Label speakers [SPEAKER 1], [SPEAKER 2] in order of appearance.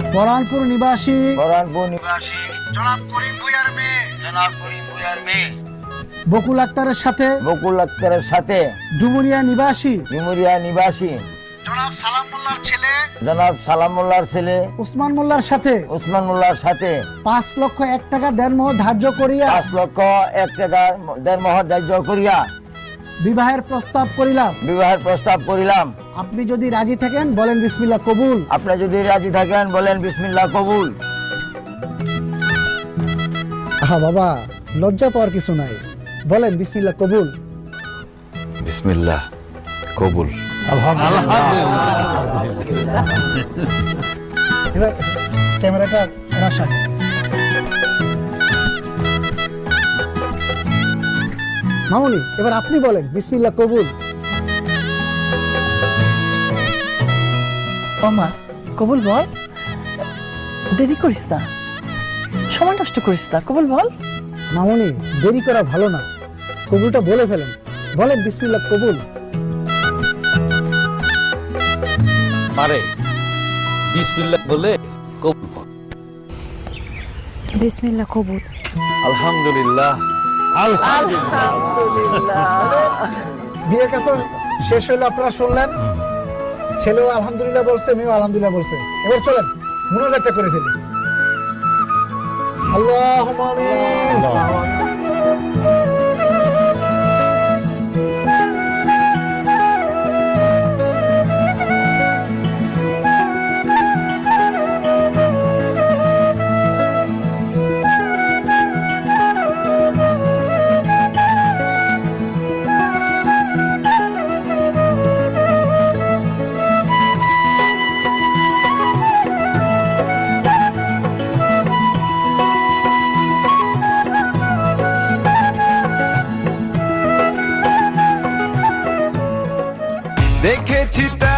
[SPEAKER 1] পরানপুর নিবাসী
[SPEAKER 2] জনাব করিম ভূঁইয়ার মেয়ে
[SPEAKER 1] বকুল আক্তারের সাথে ডুমুরিয়া নিবাসী
[SPEAKER 2] জনাব
[SPEAKER 1] সালাম মোল্লার ছেলে উসমান মোল্লার সাথে 5,01,00,000 টাকা দেনমোহর ধার্য করিয়া
[SPEAKER 3] 5,01,00,000 ধার্য করিয়া
[SPEAKER 1] বিবাহের প্রস্তাব করিলাম। আপনি যদি রাজি থাকেন বলেন বিসমিল্লাহ কবুল।
[SPEAKER 3] আপনি যদি রাজি থাকেন বলেন বিসমিল্লাহ কবুল।
[SPEAKER 1] বাবা, লজ্জা পাওয়ার কিছু নাই, বলেন বিসমিল্লাহ কবুল।
[SPEAKER 4] বিসমিল্লাহ কবুল।
[SPEAKER 1] এবার ক্যামেরাটা ওনার সামনে। মামুনি, এবার আপনি বলেন বিসমিল্লাহ কবুল।
[SPEAKER 5] ওমা কবুল বল, দেরি করিস না, সময় নষ্ট করিস না, কবুল বল।
[SPEAKER 1] মামুনি, দেরি করা ভালো না, কবুলটা বলে ফেলেন, বলেন বিসমিল্লাহ কবুল।
[SPEAKER 4] মারে বিসমিল্লাহ বলে কবুল বল।
[SPEAKER 6] বিসমিল্লাহ কবুল।
[SPEAKER 4] আলহামদুলিল্লাহ।
[SPEAKER 1] বিয়ের কাজ তো শেষ হইলো, আপনারা শুনলেন, ছেলেও আলহামদুলিল্লাহ বলছে, মেয়েও আলহামদুলিল্লাহ বলছে। এবার চলেন মুনাজাতটা করে ফেলি। আল্লাহুম্মা আমিন।
[SPEAKER 7] দেখেছি তা